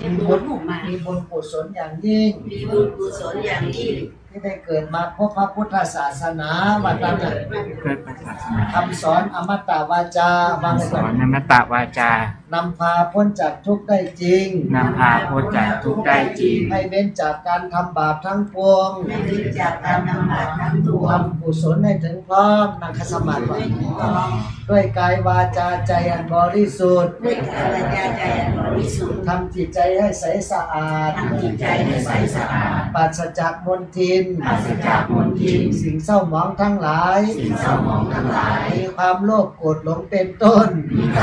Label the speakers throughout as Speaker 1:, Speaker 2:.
Speaker 1: มีบุญกุศลอย่างยิ่งที่ได้เกิดมาพบพระพุทธศาสนาวัดนั้นคำสอนอมตะวาจา
Speaker 2: สอนอมตะวาจาน
Speaker 1: ำพาพ้นจากทุกข์ได้จริง
Speaker 2: นำพาพ้นจากทุกข์ได้จริง
Speaker 1: ให้เว้นจากการทำบาปทั้งปวงทำกุศลให้ถึงพร้อมนั่งคัสมาธิด้วยกายวาจาใจอันบริสุทธิ์ทำจิตใจให้ใสสะอาดปราศจากมลทินสิ่งเศร้าหมองทั้งหลายมีความโลภโกรธหลงเป็นต้น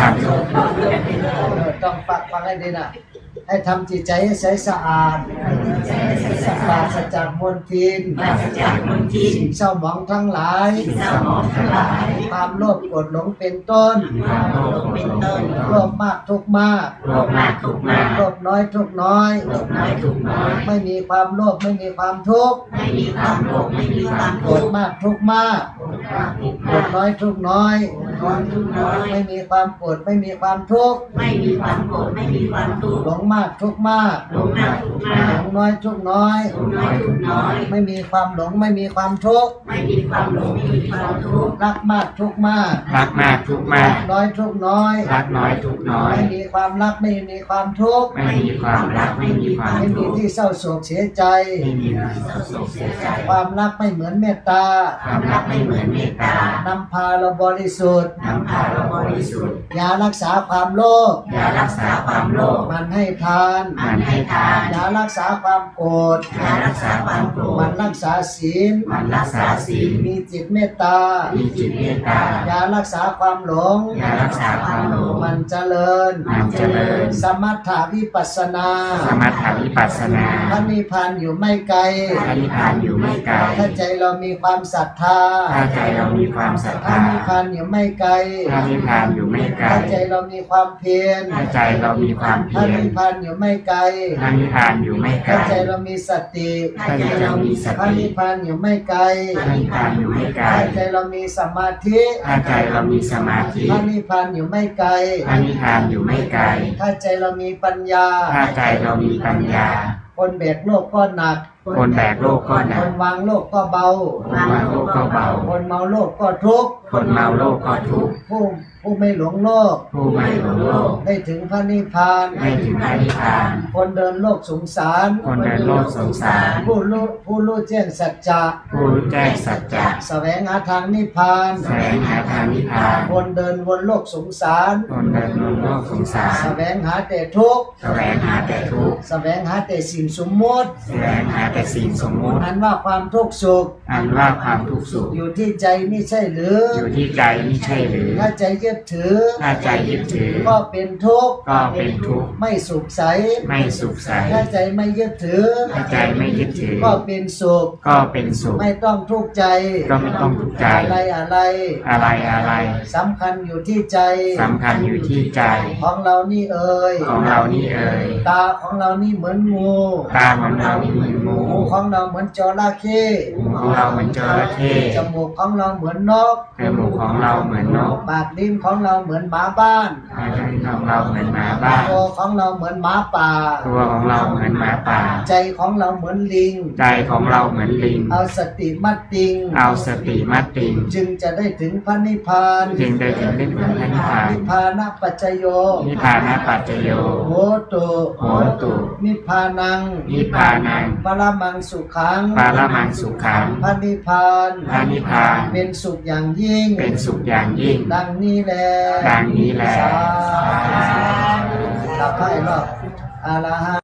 Speaker 1: ต้องฟังให้ดีนะให้ทำจิตใจให้ใสสะอาดปราศจากมลทินสิ่งเศร้าหมองทั้งหลายความโลภโกรธหลงเป็นต้นโลภมากทุกข์มากโลภน้อยทุกข์น้อยไม่มีความโลภไม่มีความทุกข์โกรธมากทุกข์มากโกรธน้อยทุกข์น้อยไม่มีความโกรธไม่มีความทุกข์หลงมากทุกข์มากหลงน้อยทุกข์น้อยไม่มีความหลงไม่มีความทุกข์รักมากทุกข์มากน้อยทุกข์น้อยไม่มีความรักไม่มีความทุกข์ไม่มีที่เศร้าโศกเสียใจความรักไม่เหมือนเมตตานำพาเราบริสุทธิ์ยารักษาความโลภมันให้ทานยารักษาความโกรธมันรักษาศีลมีจิตเมตตายารักษาความหลงมันเจริญสมถะวิปัสสนาพระนิพพานอยู่ไม่ไกลถ้าใจเรามีความศรัทธาพระนิพพานอยู่ไม่ไกลถ้าใจเรามีความเพียรพระนิพพานอยู่ไม่ไกลถ้าใจเรามีสติพระนิพพานอยู่ไม่ไกลถ้าใจเรามีสมาธิพระนิพพานอยู่ไม่ไกลถ้าใจเรามีปัญญาคนแบกโลกก็หนักคนวางโลกก็เบาคนเมาโลกก็ทุกข์ผู้ไม่หลงโลกได้ถึงพระนิพพานคนเดินโลกสงสารผู้รู้แจ้งสัจจะแสวงหาทางนิพพานคนเดินวนโลกสงสารแสวงหาแต่ทุกข์แสวงหาแต่สิ่งสมมติอันว่าความทุกข์สุขอยู่ที่ใจไม่ใช่หรือถ้าใจยึดถือก็เป็นทุกข์ไม่สุขใสถ้าใจไม่ยึดถือก็เป็นสุขไม่ต้องทุกข์ใจอะไรสำคัญอยู่ที่ใจของเรานี่เอ่ยตาของเรานี่เหมือนงูหูของเราเหมือนจระเข้จมูกของเราเหมือนนกปากลิ้นของเราเหมือนหมาบ้านตัวของเราเหมือนหมาป่าใจของเราเหมือนลิงเอาสติมัดติงจึงจะได้ถึงพระนิพพานนิพพานะปัจจโยโหตุนิพพานังปรมังสุขังพระนิพพานเป็นสุขอย่างยิ่งดังนี้แลสาธุให้รอบอรหันต์